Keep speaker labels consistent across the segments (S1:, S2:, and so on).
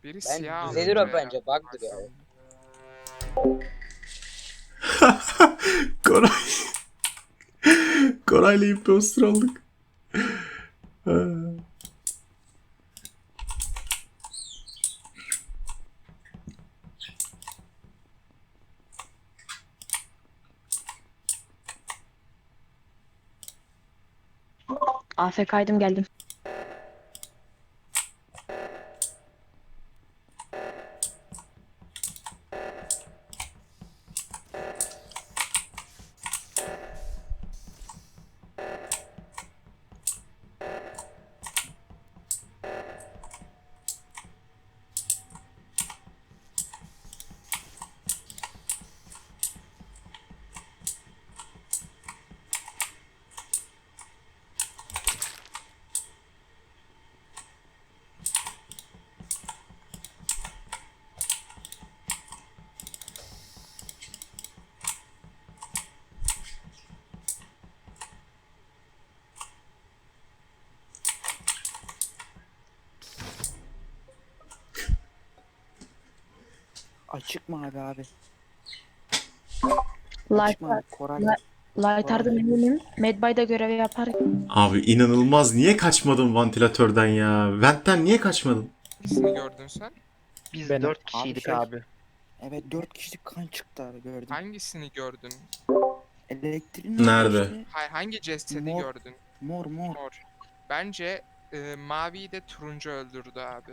S1: Biri
S2: Ben
S1: siyah
S2: düzelir
S1: alınca
S2: o bence.
S1: ya.
S2: Bug'dır ya.
S3: Koray. Koray'la imposter olduk. Ha.
S4: AFK'ydım geldim.
S5: Açık mı abi? Açık
S4: Light,
S5: mı abi? Koray.
S4: Lightar'dan eminim. Medbay'da görevi yapar.
S3: Abi inanılmaz. Niye kaçmadın vantilatörden ya? Vent'ten niye kaçmadın?
S1: Hangisini gördün sen?
S6: Biz
S7: Benim.
S6: 4 kişiydik abi.
S5: Evet 4 kişilik kan çıktı abi gördüm.
S1: Hangisini gördün?
S5: Elektriğin orada
S3: Nerede?
S5: işte.
S1: Hayır, hangi cesedi
S5: Mor.
S1: gördün?
S5: Mor.
S1: Mor. Bence maviyi de turuncu öldürdü abi.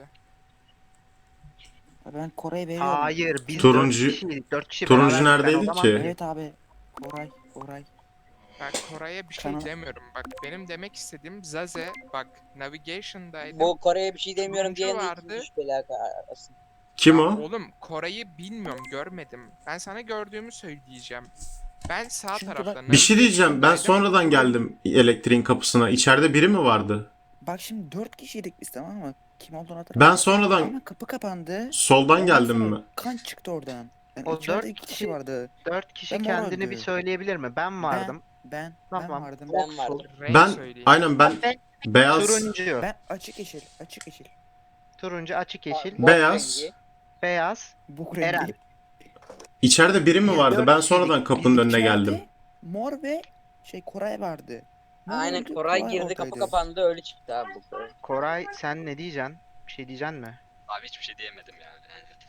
S5: Ben Koray'a veriyorum.
S6: Hayır biz
S3: Turuncu-
S6: 4 kişiydik. 4 kişi
S3: Turuncu
S6: beraberdik. Ben o
S3: neredeydi
S6: zaman
S3: ki?
S5: Evet abi. Koray.
S1: Ben Koray'a bir şey
S5: Kana-
S1: demiyorum. Bak benim demek istediğim Zaze bak navigation'daydı.
S2: Bu Kore'ye bir şey demiyorum
S1: Turuncu
S2: diyen de
S1: vardı.
S2: ikinci şüpheli arasında.
S3: Kim
S1: Ya
S3: o?
S1: oğlum Koray'ı bilmiyorum, görmedim. Ben sana gördüğümü söyleyeceğim. Ben sağ
S5: Çünkü
S1: tarafta
S3: Bir şey diyeceğim. Ben
S1: navigation'daydım.
S3: sonradan geldim elektriğin kapısına. İçeride biri mi vardı?
S5: Bak şimdi 4 kişiydik biz, tamam mı? Kim olduğunu hatırlamıyorum.
S3: Ben sonradan
S5: Ama kapı kapandı.
S3: soldan
S5: Ondan
S3: geldim
S5: sonra
S3: mi?
S5: kan çıktı oradan. Yani
S6: O
S5: içeride
S6: 4
S5: 2 kişi
S6: kişi
S5: vardı.
S6: 4 kişi
S5: Ben mor
S6: kendini bir
S5: öldü.
S6: söyleyebilir mi? Ben vardım.
S5: Ben
S6: Tamam.
S5: vardım.
S2: Ben vardım.
S1: Renk
S3: Ben
S1: söyleyeyim.
S3: aynen ben
S4: Ben-
S3: beyaz
S6: Turuncu.
S5: Ben açık yeşil.
S6: Turuncu açık yeşil.
S2: Mor
S3: beyaz
S2: rengi.
S6: Beyaz.
S5: Buk
S6: Eren.
S5: rengi.
S3: içeride biri mi
S6: Biz
S3: vardı?
S6: dört
S3: Ben
S6: kişiydik.
S3: sonradan kapının önüne
S5: İçeride
S3: geldim.
S5: Mor ve Koray vardı. Mor
S2: Aynen
S5: öldü,
S2: Koray girdi, kapı
S5: oradaydı.
S2: kapandı, öyle çıktı abi bu Koray.
S6: Koray sen ne diyeceksin? Bir şey diyeceksin mi?
S7: Abi hiçbir şey diyemedim yani.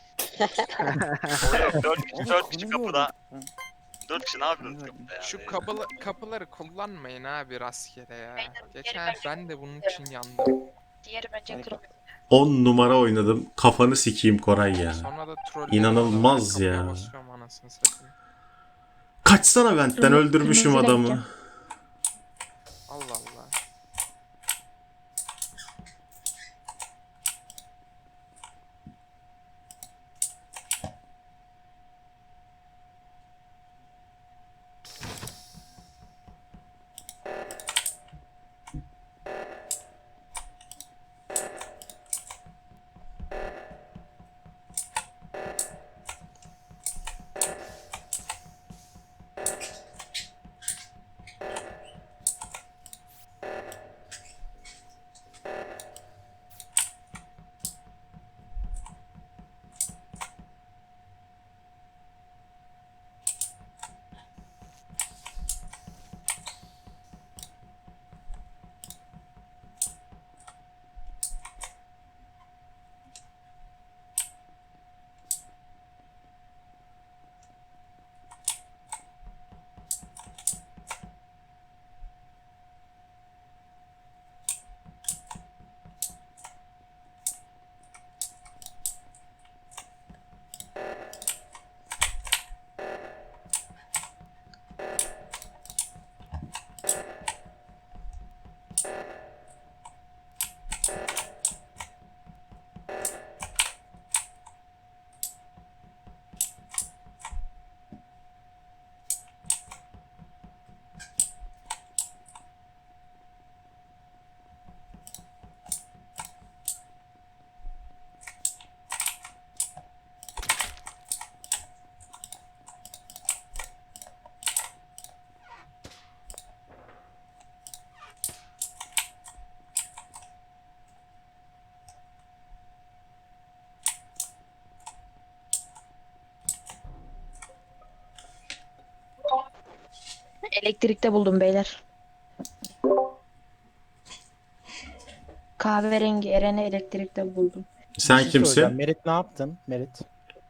S5: Oğlum,
S7: 4 kişi
S5: konuyu
S7: kapıda.
S5: gördüm.
S7: 4 kişi ne yapıyorsunuz
S5: Konuyu
S7: kapıda ya?
S1: Şu kapıları kullanmayın abi rastgele ya. Geçen ben de bunun için yandım.
S4: Diğeri bence
S5: Harika.
S4: kırmızı.
S3: 10 numara oynadım. Kafanı sikeyim Koray ya.
S1: Sonra da troll
S3: İnanılmaz ya.
S1: Basıyorum anasını satayım.
S3: Kaçsana Vent'ten, öldürmüşüm
S4: kırmızı
S3: adamı.
S4: renkte.
S1: Allah Allah.
S4: Elektrikte buldum beyler. Kahverengi Eren'i elektrikte buldum.
S3: Sen
S8: Bir şey soracağım.
S3: kimsin?
S8: Merit ne yaptın? Merit.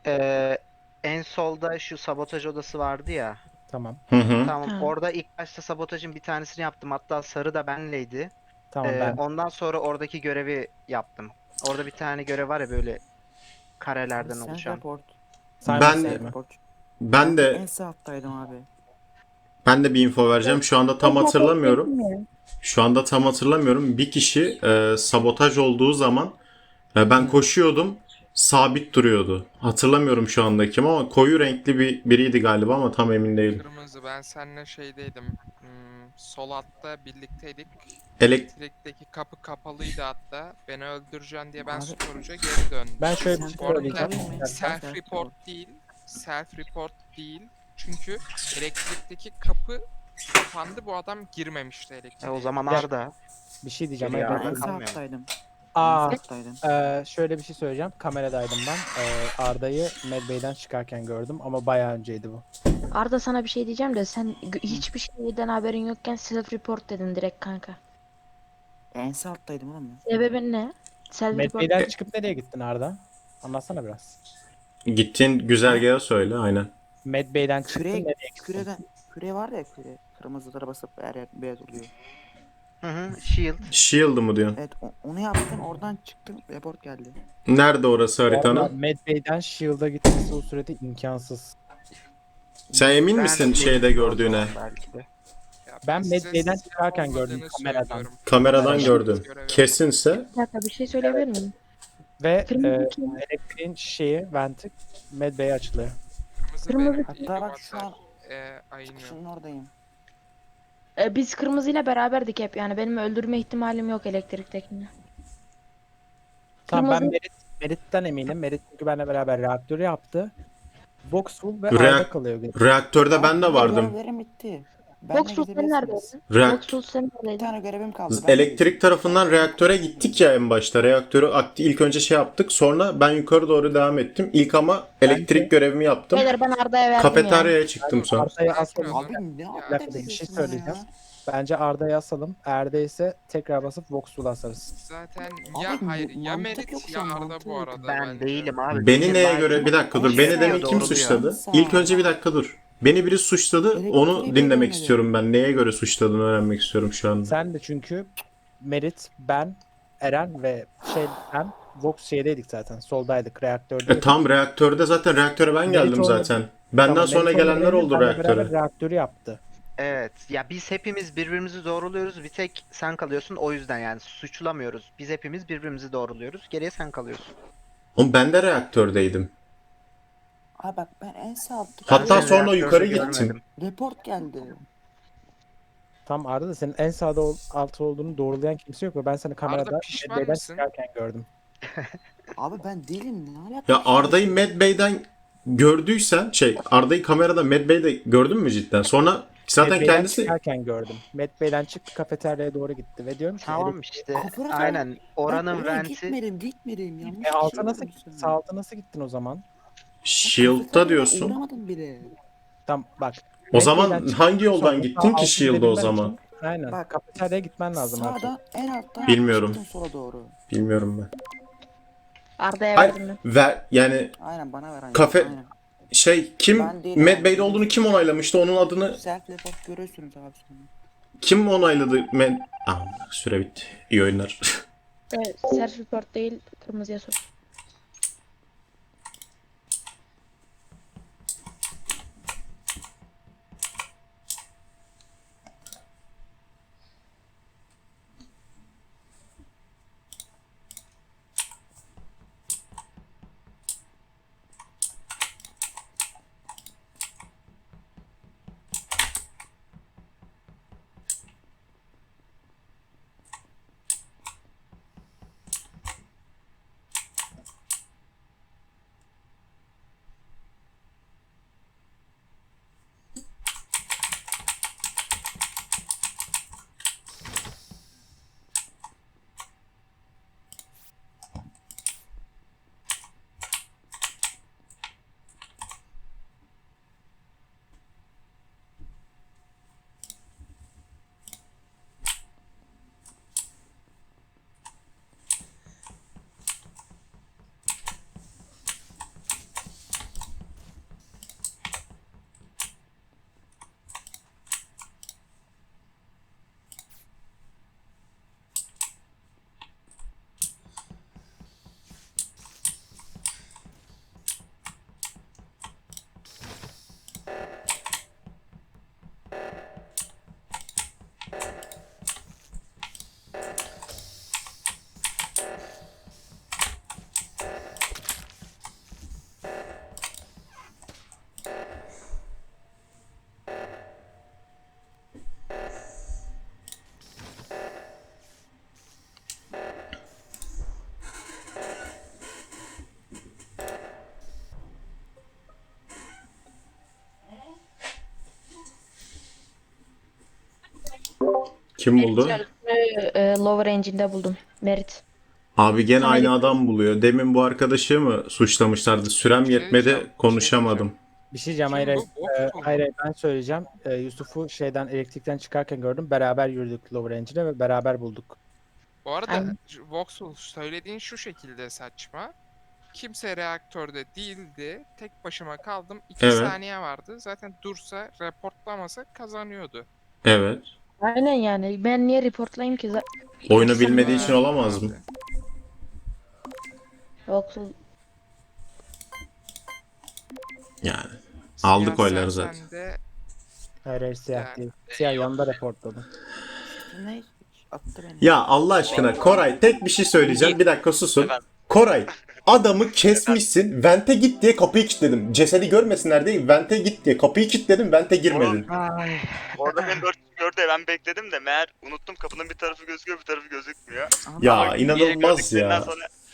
S6: En solda şu sabotaj odası vardı ya.
S8: Tamam.
S3: Hı hı.
S6: Tamam,
S4: Ha.
S6: orada ilk başta sabotajın bir tanesini yaptım. Hatta sarı da benleydi.
S8: Tamam ben.
S6: Ondan sonra oradaki görevi yaptım. Orada bir tane görev var ya, böyle karelerden
S5: Sen
S6: oluşan.
S5: report.
S8: Simon
S3: ben-
S8: Says mi?
S5: Report.
S3: Ben
S5: En
S3: de
S5: sağ alttaydım abi.
S3: bir info vereceğim. Şu anda tam hatırlamıyorum.
S4: Ya.
S3: Şu anda tam hatırlamıyorum. Bir kişi sabotaj olduğu zaman ben koşuyordum. Sabit duruyordu. Hatırlamıyorum şu anda kim ama koyu renkli biriydi galiba ama tam emin değilim.
S1: Kırmızı, ben seninle şeydeydim. Sol altta birlikteydik.
S3: Elek
S1: Elektrikteki kapı kapalıydı hatta. Beni öldüreceksin diye ben
S5: Abi-
S1: storage'a geri döndüm.
S8: Ben şöyle bir
S5: Sen
S8: şey
S1: Orada
S8: söyleyeceğim.
S1: self report değil. Self report değil. Çünkü elektrikteki kapı kapandı. Bu adam girmemişti elektriğe.
S6: O zaman
S8: Ya-
S6: Arda.
S8: Bir şey diyeceğim.
S6: Geliyor
S8: Hayır,
S6: abi.
S5: En
S8: ben-
S5: sağ
S6: kalmıyor.
S5: alttaydım.
S8: Aa,
S5: En sağ alttaydım.
S8: şöyle bir şey söyleyeceğim. Kameradaydım ben. Arda'yı Medbay'den çıkarken gördüm ama bayağı önceydi bu.
S4: Arda sana bir şey diyeceğim de sen hiçbir şeyden haberin yokken self report dedin direkt kanka.
S5: En sağ alttaydım oğlum ya.
S4: Sebebin ne? Self report.
S8: Medbay'den çıkıp nereye gittin Arda? Anlatsana biraz.
S3: gittiğin güzergaha söyle aynen.
S8: Medbay'den çıktın
S5: Küre,
S8: nereye gittin?
S5: küre var ya küre. Kırmızılara basıp her yer beyaz oluyor.
S6: Hı, Shield.
S3: Shield'ı mı diyorsun?
S5: Evet onu yaptım oradan çıktım report geldi.
S3: Nerede orası
S8: Orada
S3: haritanın?
S8: Medbay'den Shield'a gitmesi o sürede imkansız.
S3: Sen emin misin şeyde
S6: O
S3: gördüğüne?
S6: zaman belki de.
S1: Ya
S8: Ben
S1: size
S8: Medbay'den
S1: siz
S8: çıkarken gördüm
S1: olmadığını
S8: kameradan.
S1: söylüyorum.
S3: Kameradan
S8: Kameradan
S3: gördüm.
S1: görev
S3: Kesinse
S4: Bir dakika bir şey söyleyebilir miyim?
S8: Ve
S4: Kırmızı kim?
S8: elektriğin şeyi, venti Medbay'e açılıyor.
S1: Kırmızı,
S4: Kırmızı-
S1: benim
S5: Hatta bak şu an
S1: ayınıyor.
S5: şunun oradayım.
S4: Biz kırmızıyla beraberdik hep yani benim öldürme ihtimalim yok elektriktekini.
S8: Tamam ben
S4: Kırmızı-
S8: Merit'ten eminim. Merit çünkü benimle beraber reaktörü yaptı. Voxful ve
S3: Reak-
S8: Arda kalıyor.
S3: reaktörde ben de vardım.
S5: Görevlerim bitti. Ben
S4: Voxul sen neredeydin? Voxul sen
S5: Bir
S4: neredeydin?
S5: tane görevim kaldı. Ben
S3: Elektrik tarafından reaktöre gittik ya en başta. Reaktörü ilk önce şey yaptık. Sonra ben yukarı doğru devam ettim. İlk ama elektrik görevimi yaptım.
S4: Beyler ben Arda'ya verdim ya.
S3: Kafeteryaya çıktım sonra.
S8: Arda'yı
S1: Sakin
S8: asalım.
S1: ol.
S5: Abi ne
S1: Ya,
S8: Bir dakika, bir şey söyleyeceğim. Bence Arda'yı asalım. Erde ise tekrar basıp Voxful'u asarız.
S1: Zaten
S5: Abi,
S1: ya hayır ya
S5: mantık
S1: Merit
S5: yok
S1: ya
S5: şu an,
S1: Arda
S5: mantık
S1: bu
S5: yok.
S1: arada
S6: Ben
S1: bence.
S6: değilim abi.
S3: Beni
S6: Benim
S3: neye
S6: live-
S3: göre bir dakika dur.
S5: Şey
S3: Beni
S5: ya,
S3: demin kim
S6: doğruluyor.
S3: suçladı?
S5: Sen-
S3: İlk önce bir dakika dur. Beni biri suçladı.
S5: Elektriği
S3: Onu dinlemek
S5: görmedim.
S3: istiyorum ben. Neye göre suçladığını öğrenmek istiyorum şu anda.
S8: Sen de çünkü Merit, ben, Eren ve ben Vox şeydeydik zaten. Soldaydık. Reaktördeydik.
S3: Tam reaktörde zaten reaktöre ben geldim
S8: Merit olmadı.
S3: zaten. Benden
S8: Tamam,
S3: sonra
S8: Merit
S3: gelenler
S8: olmadı,
S3: oldu
S8: benle beraber
S3: reaktöre.
S8: reaktörü yaptı.
S6: Evet. Ya biz hepimiz birbirimizi doğruluyoruz. Bir tek sen kalıyorsun. O yüzden yani suçlamıyoruz. Biz hepimiz birbirimizi doğruluyoruz. Geriye sen kalıyorsun.
S3: Oğlum ben de reaktördeydim.
S5: Abi bak ben en sağ alttayım.
S3: Hatta
S6: Ben
S3: sonra
S6: reaktörde
S3: yukarı
S6: görmedim.
S3: gittim.
S5: Report geldi.
S8: Tam Arda da senin en sağda altı olduğunu doğrulayan kimse yok ve ben seni kamerada
S1: pişman
S8: Medbay'den
S1: mısın?
S8: çıkarken gördüm.
S5: Abi ben değilim ne alaka?
S3: Ya Arda'yı Medbay'den gördüysen Arda'yı kamerada Medbay'de gördün mü cidden? Sonra zaten
S8: Medbay'den
S3: kendisi
S8: çıkarken gördüm. Medbay'den çıktı kafeteryaya doğru gitti ve diyorum ki
S6: Tamam işte.
S5: Kafana da-
S6: Aynen. Oranın
S5: Ben oraya
S6: venti.
S5: Gitmedim yanlış.
S8: alta
S5: bir
S8: nasıl
S5: şey oldu
S8: sağ alta nasıl gittin o zaman?
S3: Shield'da diyorsun.
S5: Uğramadım bile.
S8: Tam bak.
S3: O zaman
S8: Medbay'den çıktın,
S3: hangi yoldan
S8: sonra
S3: gittin
S8: sağ
S3: ki
S8: altı
S3: Shield'a o
S8: üzerinden
S3: zaman?
S8: çık- Aynen.
S5: Bak,
S8: Kafeteryaya gitmen lazım artık.
S5: Sağdan en alttan
S3: Bilmiyorum.
S5: çıktım sola doğru.
S3: Bilmiyorum ben.
S4: Arda'ya
S3: Hayır,
S4: verdim ben.
S3: yani
S5: Aynen bana ver. Aynen.
S3: Kafe-
S5: Aynen.
S3: kim
S5: Ben değilim
S3: Medbay'de
S5: abi.
S3: olduğunu kim onaylamıştı? Onun adını
S5: Self report görüyorsunuz abi sonra.
S3: kim onayladı? Süre bitti. İyi oyunlar.
S4: Evet, self report değil kırmızıya sor.
S3: Kim buldu?
S4: Lower Engine'de buldum. Merit.
S3: Abi gene
S4: Sana
S3: aynı
S4: git-
S3: adam buluyor. Demin bu arkadaşı mı suçlamışlardı? Sürem
S1: Bir şey
S3: yetmedi,
S1: diyeceğim,
S3: konuşamadım.
S8: Bir şey diyeceğim.
S1: Kim
S8: Hayır,
S1: bu?
S8: hayır.
S1: Bot mu?
S8: Hayır, ben söyleyeceğim. Yusuf'u şeyden elektrikten çıkarken gördüm. Beraber yürüdük Lower Engine'e ve beraber bulduk.
S1: Bu arada
S4: Aynen.
S1: Voxel söylediğin şu şekilde saçma. Kimse reaktörde değildi. Tek başıma kaldım. 2
S3: Evet.
S1: saniye vardı. Zaten dursa, reportlamasa kazanıyordu.
S3: Evet.
S4: Aynen yani. Ben niye reportlayayım ki?
S3: Oyunu
S4: Yoksa-
S3: bilmediği için olamaz mı?
S4: Yoksa
S3: Yani. Aldık
S1: Siyah
S3: oyları
S1: sen
S3: zaten.
S1: de
S8: Hayır, hayır, siyah
S1: Yani-
S8: değil. Siyah yanında reportladım.
S5: Ne? Attı beni.
S3: Ya Allah aşkına Koray tek bir şey söyleyeceğim. Bir dakika susun.
S7: Efendim?
S3: Koray adamı kesmişsin. Vente git diye kapıyı kilitledim. Cesedi görmesinler diye vente git diye kapıyı kilitledim. Vente girmedin.
S6: Ay.
S7: Orada beni 4 gördü ya, ben bekledim de meğer unuttum, kapının bir tarafı gözüküyor bir tarafı gözükmüyor.
S3: Ya
S7: Ama geri
S3: inanılmaz
S7: gördüklerinden
S3: ya.
S7: Sonra